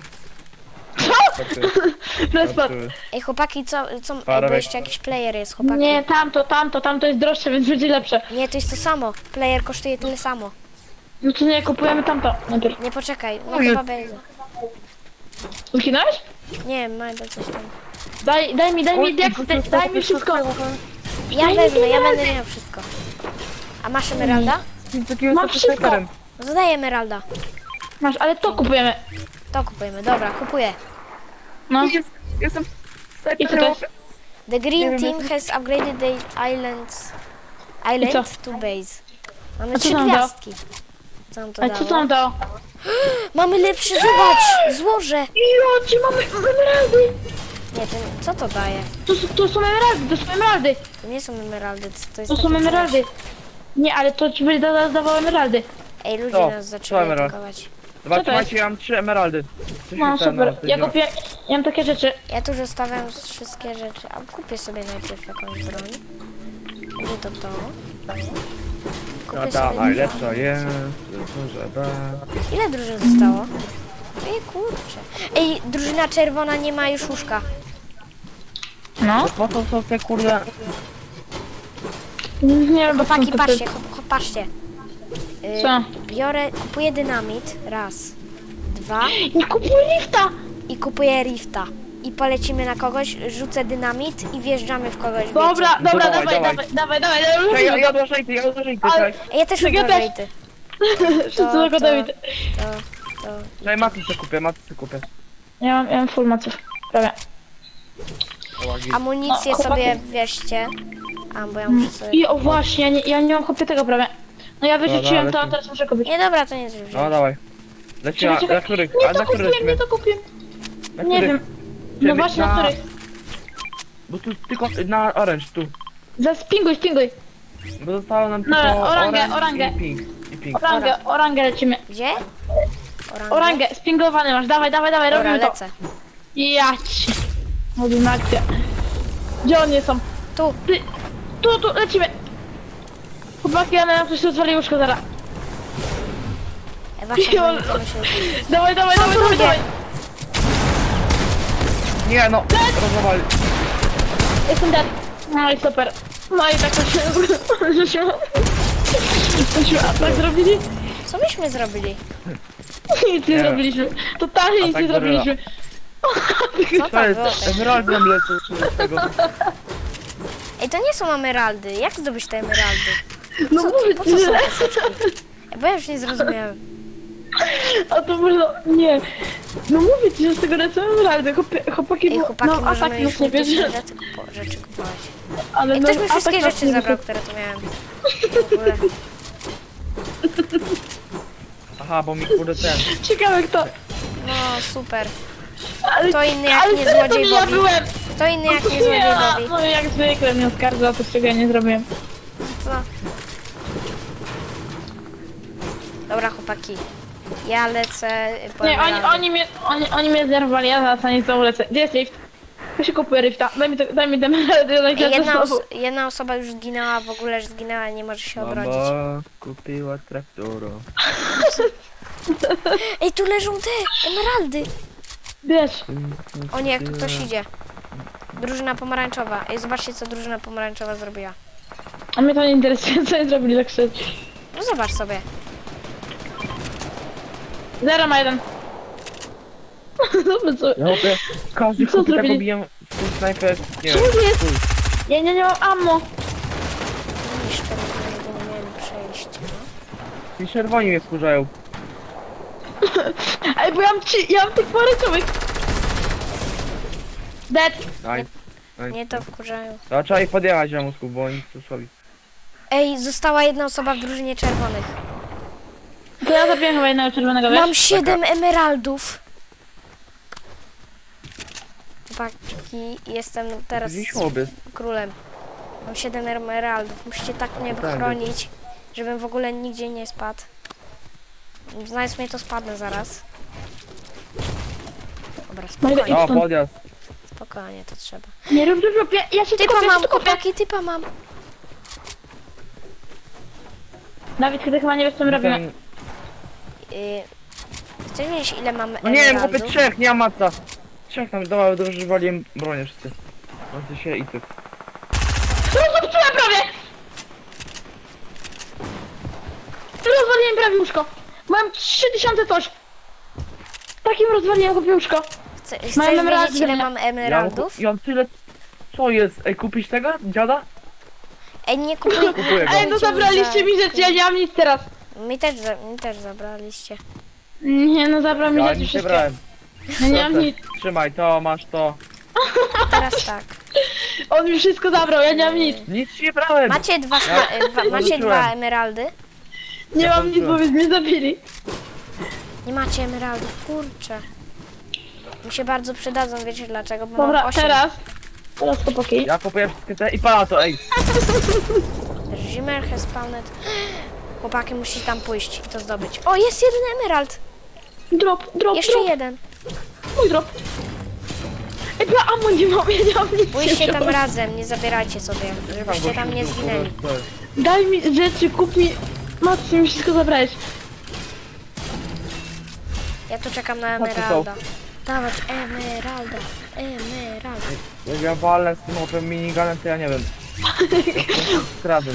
[SPEAKER 2] Respot.
[SPEAKER 1] Ej, chłopaki, co, co, ej, bo
[SPEAKER 3] Parę
[SPEAKER 1] jeszcze jakiś player jest, chłopaki.
[SPEAKER 2] Nie, tamto, tamto, tamto jest droższe, więc będzie lepsze.
[SPEAKER 1] Nie, to jest to samo. Player kosztuje tyle samo.
[SPEAKER 2] No to nie, kupujemy tamto. Najpierw.
[SPEAKER 1] Nie, poczekaj, no
[SPEAKER 3] Oj.
[SPEAKER 1] chyba będzie.
[SPEAKER 2] Ukinąłeś?
[SPEAKER 1] Nie, Majda coś tam.
[SPEAKER 2] Daj, daj mi, daj mi, jak, daj, daj mi wszystko.
[SPEAKER 1] Ja
[SPEAKER 2] Daj mi
[SPEAKER 1] wezmę, ja
[SPEAKER 2] emeraldy.
[SPEAKER 1] będę miał wszystko. A masz emeralda?
[SPEAKER 2] Mam wszystko.
[SPEAKER 1] No to daj emeralda.
[SPEAKER 2] Masz, ale to kupujemy.
[SPEAKER 1] To kupujemy, dobra, kupuję.
[SPEAKER 2] No.
[SPEAKER 3] Jest, jestem
[SPEAKER 2] I co to jest?
[SPEAKER 1] The
[SPEAKER 3] Nie
[SPEAKER 1] green
[SPEAKER 3] wiem,
[SPEAKER 1] team has upgraded the islands island to base. Mamy
[SPEAKER 2] A co
[SPEAKER 1] trzy
[SPEAKER 2] nam dało?
[SPEAKER 1] gwiazdki. Co nam to
[SPEAKER 2] Ale co
[SPEAKER 1] dało?
[SPEAKER 2] tam dało?
[SPEAKER 1] Mamy lepszy, zobacz! Złoże!
[SPEAKER 2] Jo, gdzie mamy emeraldy?
[SPEAKER 1] Nie, to, co to daje?
[SPEAKER 2] To, są- to są emeraldy, to są emeraldy.
[SPEAKER 1] To nie są emeraldy, to, to jest
[SPEAKER 2] To są
[SPEAKER 1] takie
[SPEAKER 2] emeraldy.
[SPEAKER 1] coś.
[SPEAKER 2] Nie, ale to ci będzie da- dawało emeraldy.
[SPEAKER 1] Ej, ludzie
[SPEAKER 3] Co?
[SPEAKER 1] nas
[SPEAKER 3] Co
[SPEAKER 1] zaczęli
[SPEAKER 3] emerald?
[SPEAKER 1] atakować.
[SPEAKER 3] Dobra,
[SPEAKER 2] Co to jest?
[SPEAKER 3] trzymajcie, ja mam trzy emeraldy. Coś
[SPEAKER 2] No
[SPEAKER 3] mi ten,
[SPEAKER 2] super,
[SPEAKER 3] no,
[SPEAKER 2] ja
[SPEAKER 3] działa.
[SPEAKER 2] kupię, ja mam takie rzeczy.
[SPEAKER 1] Ja tu zostawiam wszystkie rzeczy, a kupię sobie najpierw jakąś broń. Będzie to to.
[SPEAKER 3] No
[SPEAKER 1] Kupię
[SPEAKER 3] dawaj,
[SPEAKER 1] sobie
[SPEAKER 3] lecz to jest, może da.
[SPEAKER 1] Ile drużyn zostało? Ej, kurczę. Ej, drużyna czerwona nie ma już łóżka.
[SPEAKER 2] No.
[SPEAKER 3] Po co są te kurde...
[SPEAKER 2] Nie wiem, bo
[SPEAKER 1] Chłopaki,
[SPEAKER 2] tam to-
[SPEAKER 1] patrzcie, chłop, chłop, patrzcie. Y,
[SPEAKER 2] Co?
[SPEAKER 1] Biorę, kupuję dynamit, raz, dwa
[SPEAKER 2] Nie kupuj lifta!
[SPEAKER 1] i kupuję rifta. I polecimy na kogoś, rzucę dynamit i wjeżdżamy w kogoś, wiecie.
[SPEAKER 2] Dobra,
[SPEAKER 3] No
[SPEAKER 2] dobra,
[SPEAKER 3] dawaj,
[SPEAKER 2] dawaj,
[SPEAKER 3] dawaj.
[SPEAKER 2] dawaj, dawaj, dawaj,
[SPEAKER 3] Ja,
[SPEAKER 2] dawaj.
[SPEAKER 3] ja, ja odłożę ty, ja odłożę ty,
[SPEAKER 2] Ale-
[SPEAKER 3] czekaj.
[SPEAKER 1] Ej, ja też
[SPEAKER 2] Tak, ja
[SPEAKER 1] uważam,
[SPEAKER 2] też.
[SPEAKER 1] ty.
[SPEAKER 2] Wszyscy
[SPEAKER 1] To-
[SPEAKER 2] tylko
[SPEAKER 1] to-
[SPEAKER 2] Dawid.
[SPEAKER 1] To, to.
[SPEAKER 3] Czekaj, matrycę kupię, matrycę kupię.
[SPEAKER 2] Ja mam, ja mam full maców. Prawie.
[SPEAKER 1] Amunicję
[SPEAKER 2] No, chłopaki.
[SPEAKER 1] sobie weźcie. A, bo ja muszę sobie...
[SPEAKER 2] I o właśnie, ja nie, ja nie mam chopie tego prawie. No ja wyrzuciłem
[SPEAKER 3] Dobra,
[SPEAKER 2] to, a
[SPEAKER 3] lecimy.
[SPEAKER 2] teraz muszę kupić.
[SPEAKER 1] Nie, dobra, to nie jest
[SPEAKER 3] No dawaj. Lecimy,
[SPEAKER 2] Czekaj,
[SPEAKER 3] na,
[SPEAKER 2] czekaj.
[SPEAKER 3] na których?
[SPEAKER 2] Nie
[SPEAKER 3] A
[SPEAKER 2] to
[SPEAKER 3] na których
[SPEAKER 2] kupiłem, nie
[SPEAKER 3] lecimy?
[SPEAKER 2] to kupiłem.
[SPEAKER 3] Na
[SPEAKER 2] Nie
[SPEAKER 3] których?
[SPEAKER 2] wiem. No
[SPEAKER 3] Czyli
[SPEAKER 2] właśnie, na
[SPEAKER 3] na-
[SPEAKER 2] których?
[SPEAKER 3] Bo tu tylko na orange, tu.
[SPEAKER 2] Zaspinguj, spinguj.
[SPEAKER 3] Bo zostało nam
[SPEAKER 2] No,
[SPEAKER 3] tylko
[SPEAKER 2] orangę,
[SPEAKER 3] orange
[SPEAKER 2] orangę.
[SPEAKER 3] i pink. I pink.
[SPEAKER 2] Orangę, orangę lecimy.
[SPEAKER 1] Gdzie? Orangę.
[SPEAKER 2] Orangę, spingowany masz, dawaj, dawaj, dawaj,
[SPEAKER 1] Dobra,
[SPEAKER 2] robimy to.
[SPEAKER 1] lecę.
[SPEAKER 2] Jać. Robimy akcję. Gdzie oni są?
[SPEAKER 1] Tu.
[SPEAKER 2] Ty, tu, tu, lecimy. Chłopaki, ale nam coś rozwali łóżko zaraz.
[SPEAKER 1] E, Wasza
[SPEAKER 2] Jol.
[SPEAKER 1] broń, to myślę,
[SPEAKER 2] Dawaj, dawaj, dawaj,
[SPEAKER 1] tu
[SPEAKER 2] dawaj,
[SPEAKER 1] ludzie?
[SPEAKER 2] dawaj.
[SPEAKER 3] Nie no, rozwali.
[SPEAKER 2] Jestem dead. No i super. No i tak to się... Żeśmy... Żeśmy atak zrobili?
[SPEAKER 1] Co myśmy zrobili?
[SPEAKER 2] Nic nie
[SPEAKER 3] Nie.
[SPEAKER 2] zrobiliśmy. Totalnie nic
[SPEAKER 3] Atak
[SPEAKER 2] nie
[SPEAKER 3] goryla.
[SPEAKER 2] zrobiliśmy.
[SPEAKER 1] Co
[SPEAKER 3] To
[SPEAKER 1] tam było?
[SPEAKER 3] jest, emerald nam lecą z tego.
[SPEAKER 1] Ej, to nie są emeraldy. Jak zdobyć te emeraldy?
[SPEAKER 2] No
[SPEAKER 1] Co,
[SPEAKER 2] mówię
[SPEAKER 1] po
[SPEAKER 2] ci,
[SPEAKER 1] co są
[SPEAKER 2] że...
[SPEAKER 1] te soczki? Ej, bo ja już nie zrozumiałem.
[SPEAKER 2] A to można... Nie. No mówię ci, że z tego lecą emeraldy. Chłopie- Chłopaki,
[SPEAKER 1] Ej,
[SPEAKER 2] bo
[SPEAKER 1] chłopaki,
[SPEAKER 2] no,
[SPEAKER 1] możemy
[SPEAKER 2] atak
[SPEAKER 1] już
[SPEAKER 2] już nie
[SPEAKER 1] jakieś
[SPEAKER 2] bierze.
[SPEAKER 1] rzeczy, kupo- rzeczy kupować.
[SPEAKER 2] Ale
[SPEAKER 1] Ej,
[SPEAKER 2] no,
[SPEAKER 1] ktoś mi
[SPEAKER 2] atak
[SPEAKER 1] wszystkie
[SPEAKER 2] nas
[SPEAKER 1] rzeczy
[SPEAKER 2] nie
[SPEAKER 1] zabrał,
[SPEAKER 2] bierze.
[SPEAKER 1] które tu miałem. W ogóle.
[SPEAKER 3] Aha, bo mi kurde ten.
[SPEAKER 2] Ciekawe kto.
[SPEAKER 1] No, super.
[SPEAKER 2] Ale,
[SPEAKER 1] To inny jak
[SPEAKER 2] ale
[SPEAKER 1] nie
[SPEAKER 2] serio, to
[SPEAKER 1] złodziej
[SPEAKER 2] nie ja
[SPEAKER 1] Bobby.
[SPEAKER 2] byłem.
[SPEAKER 1] Kto inny jak nie złodziej
[SPEAKER 2] Ja,
[SPEAKER 1] Bobby?
[SPEAKER 2] no jak zwykle mnie oskarża o to, czego ja nie zrobiłem.
[SPEAKER 1] Co? Dobra, chłopaki. Ja lecę po
[SPEAKER 2] Nie, oni,
[SPEAKER 1] emeraldy.
[SPEAKER 2] oni mnie, oni, oni mnie zerwali, ja zaraz na nie znowu lecę. Gdzie jest lift? Ja się kupuję lifta, daj mi, to, daj mi ten emeraldy, ja
[SPEAKER 1] Ej,
[SPEAKER 2] lecę
[SPEAKER 1] Jedna,
[SPEAKER 2] znowu.
[SPEAKER 1] os jedna osoba już zginęła, w ogóle już zginęła, nie może się obrodzić.
[SPEAKER 3] Mama kupiła traktora.
[SPEAKER 1] Ej, tu leżą te emeraldy!
[SPEAKER 2] Wiesz,
[SPEAKER 1] O nie, ktoś idzie. Drużyna pomarańczowa. Ej, zobaczcie, co drużyna pomarańczowa zrobiła.
[SPEAKER 2] a mnie to nie interesuje, co oni zrobili tak szczerze.
[SPEAKER 1] No zobacz sobie.
[SPEAKER 2] Zero ma jeden. Dobra, co?
[SPEAKER 3] Ja mówię, każdy
[SPEAKER 2] Co
[SPEAKER 3] chłopie tak
[SPEAKER 2] zrobili?
[SPEAKER 3] obijam w ten snajper. Nie
[SPEAKER 2] Co
[SPEAKER 3] wiem.
[SPEAKER 2] tu jest?
[SPEAKER 3] chuj.
[SPEAKER 2] Ja nie, nie mam ammo.
[SPEAKER 1] Niszczę, bo nie miałem przejścia.
[SPEAKER 3] Ci czerwoni mnie wkurzają.
[SPEAKER 2] Ej, bo ja mam ci, ja mam tych pomarańczowych. Dead.
[SPEAKER 3] Nice. Nice.
[SPEAKER 1] Nie to wkurzają.
[SPEAKER 3] To trzeba ich podjechać na mózgu, bo oni tu słabi.
[SPEAKER 1] Ej, została jedna osoba w drużynie czerwonych.
[SPEAKER 2] To ja zabiłem chyba jednego czerwonego, wiesz?
[SPEAKER 1] Mam siedem emeraldów. Chłopaki, jestem teraz
[SPEAKER 3] Gdzieś chłopy.
[SPEAKER 1] królem. Mam siedem emeraldów. Musicie tak mnie
[SPEAKER 3] Tak.
[SPEAKER 1] chronić, żebym w ogóle nigdzie nie spadł. Znając mnie, to spadnę zaraz. Dobra,
[SPEAKER 2] No i-
[SPEAKER 1] spokojnie,
[SPEAKER 3] O,
[SPEAKER 2] stąd.
[SPEAKER 3] podjazd.
[SPEAKER 1] spokojnie, to trzeba.
[SPEAKER 2] Nie rób, rób, rób, ja, ja się tu
[SPEAKER 1] Typa
[SPEAKER 2] kopię, ja
[SPEAKER 1] mam,
[SPEAKER 2] się tu kopię.
[SPEAKER 1] chłopaki, typa mam.
[SPEAKER 2] Dawid, ty chyba nie wiesz, co my robimy.
[SPEAKER 3] Ten-
[SPEAKER 1] Yy, chcesz wiedzieć, ile mam
[SPEAKER 3] No nie wiem, chłopie,
[SPEAKER 1] emeraldów?
[SPEAKER 3] trzech, nie ma maca. Trzech tam, dobra, dobrze, że waliłem bronię wszyscy. No się i ty.
[SPEAKER 2] Rozwaliłem prawie! Rozwaliłem prawie łóżko. Mam trzy tysiące coś. Takim rozwaliłem chłopie łóżko.
[SPEAKER 1] Chce, chcesz
[SPEAKER 2] Mam
[SPEAKER 1] wiedzieć,
[SPEAKER 2] emeraldy,
[SPEAKER 1] ile
[SPEAKER 2] nie?
[SPEAKER 1] mam
[SPEAKER 3] Ja,
[SPEAKER 1] emeraldów?
[SPEAKER 3] ja mam tyle... Co jest? Ej, kupisz tego? Dziada?
[SPEAKER 1] Ej, nie kupuj, nie
[SPEAKER 3] Kupuję go.
[SPEAKER 2] Ej, no zabraliście mi rzeczy, ja nie mam nic teraz.
[SPEAKER 1] Mi też, za, mi też zabraliście.
[SPEAKER 2] Nie, no zabrał mi
[SPEAKER 3] Ja
[SPEAKER 2] rzeczy
[SPEAKER 3] nic nie
[SPEAKER 2] wszystkie.
[SPEAKER 3] brałem.
[SPEAKER 2] Ja nie mam
[SPEAKER 3] Proszę,
[SPEAKER 2] nic.
[SPEAKER 3] Trzymaj to, masz to.
[SPEAKER 1] Teraz tak.
[SPEAKER 2] On mi wszystko zabrał, ja nie mam nic.
[SPEAKER 3] Nic ci nie brałem!
[SPEAKER 1] Macie dwa, sna- e, dwa, macie
[SPEAKER 3] Zobaczyłem.
[SPEAKER 1] dwa emeraldy?
[SPEAKER 2] Nie
[SPEAKER 3] Ja
[SPEAKER 2] mam nic, bo
[SPEAKER 3] zobaczyłem.
[SPEAKER 2] mnie zabili.
[SPEAKER 1] Nie macie emeraldów, kurczę. Mi się bardzo przydadzą, wiecie dlaczego? Bo
[SPEAKER 2] Dobra,
[SPEAKER 1] mam osiem.
[SPEAKER 2] teraz. Teraz chłopaki.
[SPEAKER 3] Ja kupuję wszystkie te i pana to, ej!
[SPEAKER 1] Zimmer has spawned. Chłopaki, musicie tam pójść i to zdobyć. O, jest jeden emerald!
[SPEAKER 2] Drop, drop,
[SPEAKER 1] Jeszcze
[SPEAKER 2] drop.
[SPEAKER 1] jeden.
[SPEAKER 2] Mój drop. Ej, ja ammo nie mam, ja nie mam nic.
[SPEAKER 1] Pójście
[SPEAKER 2] nie
[SPEAKER 1] tam
[SPEAKER 2] mam.
[SPEAKER 1] razem, nie zabierajcie sobie, żebyście tam nie zginęli.
[SPEAKER 2] Daj mi rzeczy, kup mi... Matce, mi wszystko zabrałeś.
[SPEAKER 1] Ja tu czekam na
[SPEAKER 3] Chodź tu,
[SPEAKER 1] emeralda. Dawać emeralda, emeralda.
[SPEAKER 3] Jak ja walę z tym opem miniganem, to ja nie wiem. Kradę.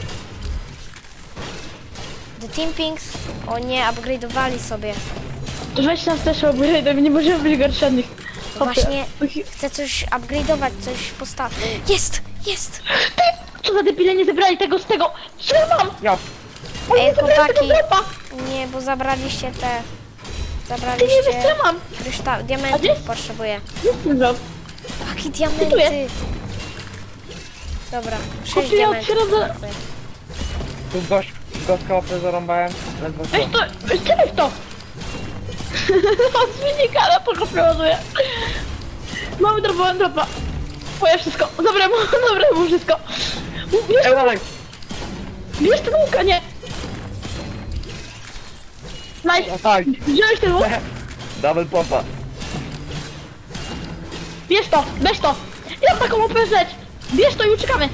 [SPEAKER 1] The Team Pinks, o nie, upgrade'owali sobie.
[SPEAKER 2] Weź nas też upgrade, nie możemy być gorsi od nich.
[SPEAKER 1] No właśnie, chcę coś upgrade'ować, coś postawić. Jest, jest!
[SPEAKER 2] Co za debile, nie zebrali tego z tego. Co ja mam?
[SPEAKER 3] Ja,
[SPEAKER 2] Oni
[SPEAKER 1] Ej,
[SPEAKER 2] nie zebrali tego
[SPEAKER 1] chłopaki.
[SPEAKER 2] dropa.
[SPEAKER 1] Nie, bo zabraliście te...
[SPEAKER 2] Ty nie wiesz,
[SPEAKER 1] Zabraliście...
[SPEAKER 2] co ja mam.
[SPEAKER 1] Kryształ,
[SPEAKER 2] A gdzie
[SPEAKER 1] diamentów
[SPEAKER 2] jest?
[SPEAKER 1] potrzebuję.
[SPEAKER 2] Jest ten drop.
[SPEAKER 1] Jaki diamenty?
[SPEAKER 2] Kupuję.
[SPEAKER 1] Dobra, sześć
[SPEAKER 2] Kupuję od
[SPEAKER 1] diamentów.
[SPEAKER 2] środka.
[SPEAKER 1] Dziękuję.
[SPEAKER 3] tu gość, gośka opę zarąbałem. Ledwo co.
[SPEAKER 2] Weź to, weź ty weź to. Od wynikala to go przeładuję. Mamy dropa, mamy dropa. Moje wszystko. Zabrałem mu, zabrałem mu wszystko. Bierz,
[SPEAKER 3] Ej, dalej!
[SPEAKER 2] bierz ten łuk, a nie. Nice.
[SPEAKER 3] O tak!
[SPEAKER 2] Wziąłeś ten łuk?
[SPEAKER 3] Double pompa.
[SPEAKER 2] Bierz to, weź to. Ja mam taką opę rzecz. Bierz to i uciekamy.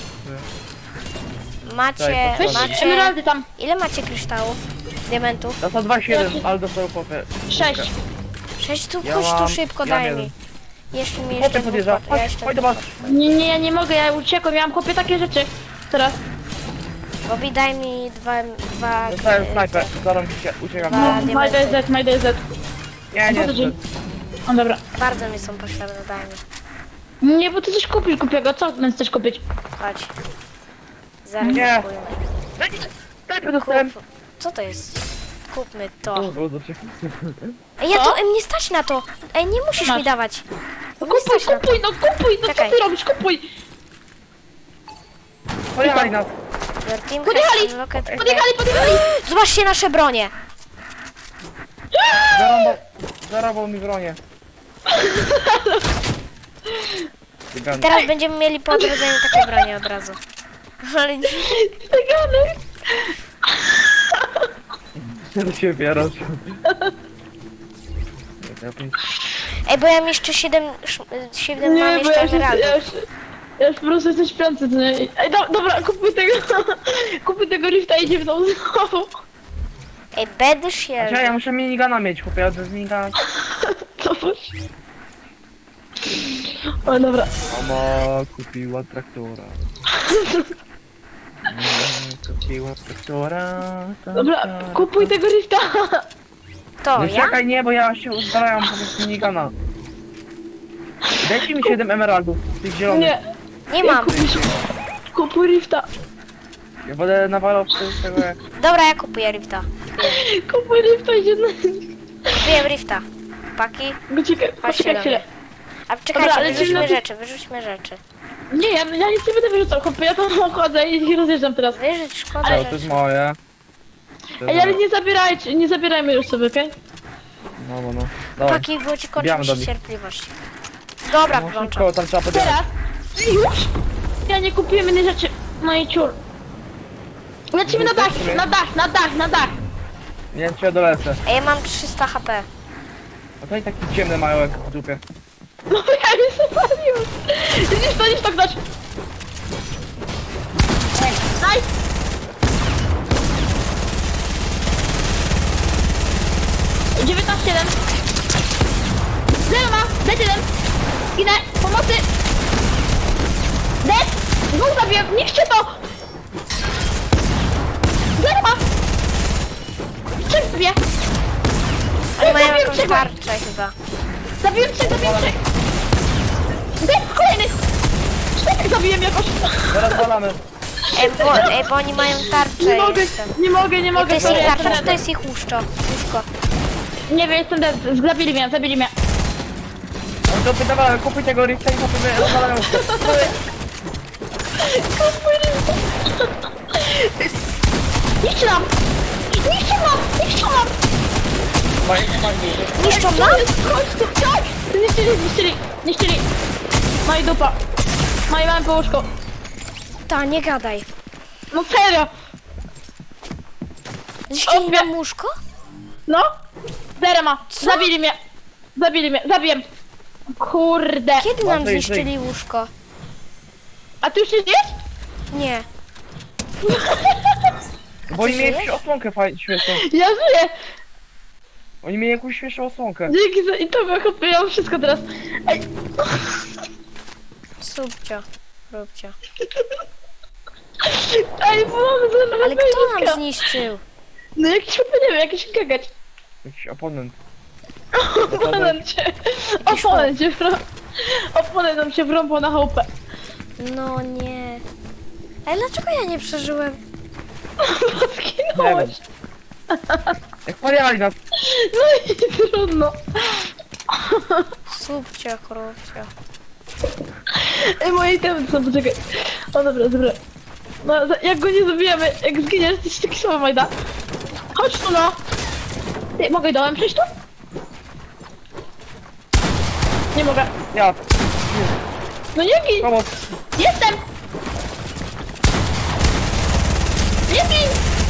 [SPEAKER 1] Macie,
[SPEAKER 3] Daj,
[SPEAKER 2] Weź
[SPEAKER 1] macie...
[SPEAKER 2] emeraldy tam.
[SPEAKER 1] Ile macie kryształów? Diamentów?
[SPEAKER 3] To są dwa siedem, ale dostał popę.
[SPEAKER 2] Sześć.
[SPEAKER 1] Sześć tu,
[SPEAKER 3] Ja
[SPEAKER 1] chodź tu
[SPEAKER 3] mam-
[SPEAKER 1] szybko,
[SPEAKER 3] ja
[SPEAKER 1] daj
[SPEAKER 3] wiem.
[SPEAKER 1] mi. Jeszcze mi
[SPEAKER 3] Chłopie
[SPEAKER 1] jeszcze
[SPEAKER 3] podjeżdża,
[SPEAKER 1] dwóch, ja
[SPEAKER 3] chodź,
[SPEAKER 1] jeszcze
[SPEAKER 3] chodź do
[SPEAKER 1] dwóch.
[SPEAKER 3] was.
[SPEAKER 2] Nie, nie, ja nie mogę, ja uciekłem, ja mam chłopie takie rzeczy. Teraz.
[SPEAKER 1] Bobby, daj mi dwa, dwa...
[SPEAKER 3] Dostałem
[SPEAKER 1] e,
[SPEAKER 3] snajper,
[SPEAKER 1] te-
[SPEAKER 3] zarąb się, uciekam.
[SPEAKER 1] Dwa
[SPEAKER 2] No, my
[SPEAKER 1] diamenty.
[SPEAKER 2] D Z, my D Z.
[SPEAKER 3] Nie, nie,
[SPEAKER 2] Po co ci?
[SPEAKER 3] nie.
[SPEAKER 2] O dobra.
[SPEAKER 1] Bardzo mi są potrzebne, daj mi.
[SPEAKER 2] Nie, bo ty coś kupisz, kupię go. Co ty chcesz kupić?
[SPEAKER 1] Chodź. Zaraz
[SPEAKER 3] Nie.
[SPEAKER 1] kupuję.
[SPEAKER 3] Snajper dostałem.
[SPEAKER 1] Kup. Co to jest? Kupmy to.
[SPEAKER 3] O, do czego?
[SPEAKER 1] Ej, ja
[SPEAKER 2] Co?
[SPEAKER 1] to, ej, nie stać na to. Ej, nie musisz
[SPEAKER 2] Masz.
[SPEAKER 1] mi dawać.
[SPEAKER 2] No
[SPEAKER 1] Nie
[SPEAKER 2] kupuj,
[SPEAKER 1] stać na to.
[SPEAKER 2] kupuj, no kupuj, no co
[SPEAKER 1] Czekaj.
[SPEAKER 2] ty robisz? Kupuj!
[SPEAKER 3] Pojechali nas.
[SPEAKER 1] Your team
[SPEAKER 2] Podjechali!
[SPEAKER 1] has unlocked-
[SPEAKER 2] Podjechali, podjechali!
[SPEAKER 1] Zobaczcie nasze bronie.
[SPEAKER 3] Zarąbał, zarąbał mi bronię. Cygan.
[SPEAKER 1] Teraz będziemy mieli po odrodzeniu takie branie od razu. Ale nie.
[SPEAKER 2] Cyganek!
[SPEAKER 3] Do siebie raz.
[SPEAKER 1] Ej, bo ja mam jeszcze siedem, siedem mam
[SPEAKER 2] Nie, bo
[SPEAKER 1] jeszcze
[SPEAKER 2] ja już, ja
[SPEAKER 1] emeraldów.
[SPEAKER 2] już, ja już po prostu jestem śpiący. To nie... Ej, do, dobra, kupuj tego, kupuj tego lifta i idzie w dół znowu.
[SPEAKER 1] Ej, bedy
[SPEAKER 3] Znaczy, ja
[SPEAKER 1] shield.
[SPEAKER 3] muszę minigana mieć, chłopie, ja bez minigana.
[SPEAKER 2] Zobacz. O, dobra.
[SPEAKER 3] Mama kupiła traktora. Mama kupiła traktora.
[SPEAKER 2] Dobra, kupuj tego lifta.
[SPEAKER 1] To
[SPEAKER 3] Nie
[SPEAKER 1] ja?
[SPEAKER 3] czekaj, nie, bo ja się uzbrajam po prostu minigana. Dajcie mi siedem emeraldów, tych zielonych.
[SPEAKER 2] Nie,
[SPEAKER 1] Nie mam.
[SPEAKER 2] kupisz. Kupuj lifta.
[SPEAKER 3] Ja będę nawalał z tego jak...
[SPEAKER 1] Dobra, ja kupuję rifta.
[SPEAKER 2] Kupuj lifta i idzie na...
[SPEAKER 1] Kupuję rifta. Paki.
[SPEAKER 2] Poczekaj,
[SPEAKER 1] Chodźcie
[SPEAKER 2] poczekaj
[SPEAKER 1] do
[SPEAKER 2] chwilę.
[SPEAKER 1] mnie. A czekajcie,
[SPEAKER 2] Dobra, lecimy
[SPEAKER 1] wyrzućmy
[SPEAKER 2] na ty-
[SPEAKER 1] rzeczy, wyrzućmy rzeczy.
[SPEAKER 2] Nie, ja, ja nic nie będę wyrzucał, chłopie, ja tam chodzę i rozjeżdżam teraz.
[SPEAKER 1] Wyrzuć, szkoda
[SPEAKER 3] To, to
[SPEAKER 1] rzeczy.
[SPEAKER 3] jest moje. To
[SPEAKER 2] Ej,
[SPEAKER 3] jest
[SPEAKER 2] ale
[SPEAKER 3] moje.
[SPEAKER 2] nie zabierajcie, nie zabierajmy już sobie, okej?
[SPEAKER 3] No, no, no. Dawaj.
[SPEAKER 1] Paki, bo ci kończy
[SPEAKER 3] Bijamy
[SPEAKER 1] mi
[SPEAKER 3] do
[SPEAKER 1] się
[SPEAKER 3] nich.
[SPEAKER 1] cierpliwość. Dobra,
[SPEAKER 3] No,
[SPEAKER 1] włączam.
[SPEAKER 3] szybko, tam trzeba podjechać.
[SPEAKER 2] Teraz? Już? Ja nie kupiłem innej rzeczy. No i ciur. Lecimy na dach, na dach, na dach, na dach.
[SPEAKER 3] Nie wiem, czy ja dolecę.
[SPEAKER 1] Ej, ja mam trzysta H P.
[SPEAKER 3] A to i taki ciemny mają jak w dupie.
[SPEAKER 2] No ja już się paliłem. Widzisz to, widzisz to ktoś. Nice. dziewiętnaście jeden. Zero ma, dead jeden. Idę, pomocy. Dead. Dwóch zabiłem, niszcie to. Zero ma. Trzech zabiję.
[SPEAKER 1] Oni mają
[SPEAKER 2] Zabiłem
[SPEAKER 1] jakąś
[SPEAKER 2] trzech.
[SPEAKER 1] tarczę chyba.
[SPEAKER 2] Zabiłem trzech, zabiłem trzech. Dead, kolejny. Czterech zabiłem jakoś.
[SPEAKER 3] Zaraz walamy.
[SPEAKER 1] Ej, bo, ej, bo oni mają tarczę.
[SPEAKER 2] Nie mogę,
[SPEAKER 1] jestem.
[SPEAKER 2] nie mogę, nie
[SPEAKER 1] Ej,
[SPEAKER 2] mogę.
[SPEAKER 1] to jest
[SPEAKER 2] sorry,
[SPEAKER 1] ich
[SPEAKER 2] jestem
[SPEAKER 1] tarcza, czy to
[SPEAKER 2] dead.
[SPEAKER 1] jest ich łóżko? Łóżko.
[SPEAKER 2] Nie wiem, jestem dead. Zabili mnie, zabili mnie.
[SPEAKER 3] No to wydawałem, kupuj tego rifta i potem rozwalają się.
[SPEAKER 2] Niszczy nam! Niszczy nam! Niszczy nam!
[SPEAKER 3] Fajnie, fajnie.
[SPEAKER 1] Niszczą nam?
[SPEAKER 2] Chodź tu, tak! Niszczyli, niszczyli, niszczyli. No i dupa. No i mamy po łóżku.
[SPEAKER 1] Ta, nie gadaj.
[SPEAKER 2] No serio!
[SPEAKER 1] Zniszczyli
[SPEAKER 2] Obie-
[SPEAKER 1] nam łóżko?
[SPEAKER 2] No? Zero ma.
[SPEAKER 1] Co?
[SPEAKER 2] Zabili mnie. Zabili mnie, zabijem. Kurde.
[SPEAKER 1] Kiedy nam
[SPEAKER 3] Łatwo i
[SPEAKER 1] zniszczyli łóżko?
[SPEAKER 2] A ty już nie zjesz?
[SPEAKER 1] Nie.
[SPEAKER 3] Bo oni
[SPEAKER 1] Ty
[SPEAKER 3] mieli
[SPEAKER 1] żyjesz?
[SPEAKER 3] jakąś osłonkę fajnie, śmieszną.
[SPEAKER 2] Ja żyję.
[SPEAKER 3] Oni mieli jakąś śmieszną osłonkę.
[SPEAKER 2] Dzięki za... I to ja ja mam wszystko teraz. Ej.
[SPEAKER 1] Subcio. Róbcio.
[SPEAKER 2] Ej, pomogę za
[SPEAKER 1] Ale kto nam zniszczył?
[SPEAKER 2] No jakiś, nie wiem, jakiś gagać.
[SPEAKER 3] Jakiś oponent.
[SPEAKER 2] Oponent cię, oponent cię, wrą... oponent nam się wrąbał na chałupę.
[SPEAKER 1] No nie. Ale dlaczego ja nie przeżyłem?
[SPEAKER 2] Zginąłeś.
[SPEAKER 3] Jak paliali nas.
[SPEAKER 2] No i trudno.
[SPEAKER 1] Subcio, róbcio.
[SPEAKER 2] Ej, moje itemy są, poczekaj. O dobra, dobra. No, za- jak go nie zabijemy, jak zginiesz, to się taki słowo Majda. Chodź tu no. Ty, mogę dołem przejść tu? Nie mogę.
[SPEAKER 3] Ja,
[SPEAKER 2] No nie gin!
[SPEAKER 3] pomoc.
[SPEAKER 2] Jestem! Nie gin!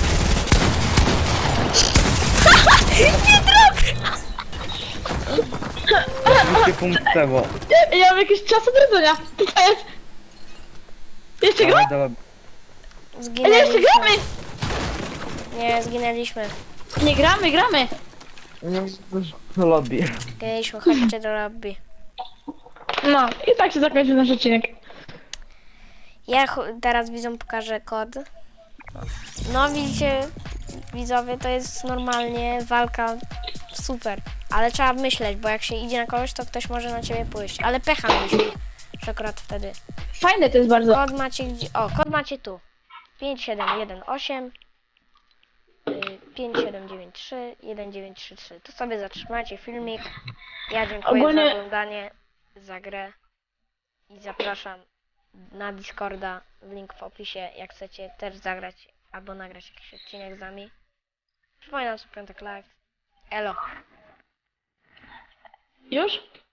[SPEAKER 3] dwieście punktów, bo...
[SPEAKER 2] Ja, ja mam jakiś czas odrodzenia. Co to jest? Jeszcze gra?
[SPEAKER 3] Dawaj, dawaj.
[SPEAKER 2] Ej, jeszcze
[SPEAKER 1] Zginęliśmy.
[SPEAKER 2] gramy!
[SPEAKER 1] Nie, zginęliśmy.
[SPEAKER 2] Nie gramy, gramy.
[SPEAKER 3] No lobby.
[SPEAKER 1] Zginęliśmy, chodźcie do lobby.
[SPEAKER 2] No, i tak się zakończył nasz odcinek.
[SPEAKER 1] Ja ch- teraz widzom pokażę kod. No widzicie, widzowie, to jest normalnie walka super. Ale trzeba myśleć, bo jak się idzie na kogoś, to ktoś może na ciebie pójść. Ale pecha mieliśmy, że akurat wtedy.
[SPEAKER 2] Fajne to jest bardzo.
[SPEAKER 1] Kod macie gdzie? O, kod macie tu. pięć siedem jeden osiem y, pięć siedem dziewięć trzy jeden dziewięć trzy trzy. Tu sobie zatrzymacie filmik. Ja dziękuję
[SPEAKER 2] Ogólnie-
[SPEAKER 1] za oglądanie, za grę i zapraszam na Discorda, link w opisie, jak chcecie też zagrać albo nagrać jakiś odcinek z nami. Przypominam, że piątek live. Elo.
[SPEAKER 2] Już?